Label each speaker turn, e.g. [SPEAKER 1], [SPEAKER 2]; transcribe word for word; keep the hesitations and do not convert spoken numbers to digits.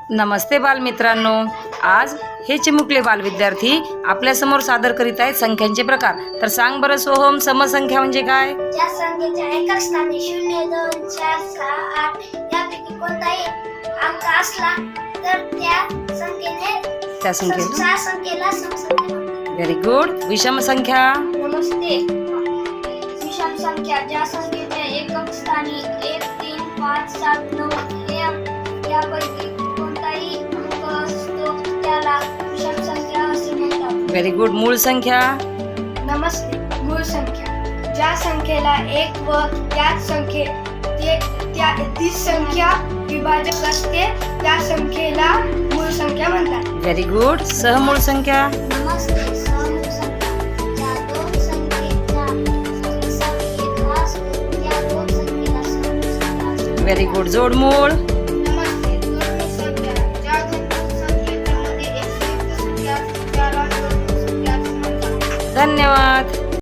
[SPEAKER 1] नमस्ते बालमित्रांनो, आज हे चिमुकले बाल विद्यार्थी आपल्या समोर सादर करीत आहेत संख्यांचे प्रकार। तर सांग बरं सोहम, समसंख्या म्हणजे काय?
[SPEAKER 2] ज्या संख्येच्या एका स्थानी शून्य दोन चार सहा आठ यापैकी कोणताही अंक असला तर त्या संख्येने
[SPEAKER 1] त्या संख्येला
[SPEAKER 2] त्या संख्येला समसंख्या म्हणतात।
[SPEAKER 1] Very good. विषम संख्या?
[SPEAKER 2] नमस्ते। विषम संख्या ज्या संख्येच्या एकक स्थानी एक तीन पाच सात नऊ यापैकी कोणताही अंक असतो त्याला विषम संख्या असे म्हणतात।
[SPEAKER 1] Very good. मूळ संख्या?
[SPEAKER 2] नमस्ते। मूळ संख्या ज्या संख्येला एक व त्याच संख्ये ते त्या ती संख्या विभाजक असते त्या संख्येला मूळ संख्या म्हणतात।
[SPEAKER 1] Very good. सहमूळ संख्या?
[SPEAKER 2] नमस्ते। सहमूळ संख्या ज्या दोन संख्येचा सम एक असतो त्या दोन संख्येला सहमूळ संख्या असते।
[SPEAKER 1] Very good. जोडमूळ?
[SPEAKER 2] नमस्ते। जोडमूळ संख्या ज्या दोन संख्येच्या मध्ये एक संयुक्त संख्या असते त्याला जोडमूळ संख्या असे म्हणतात।
[SPEAKER 1] धन्यवाद।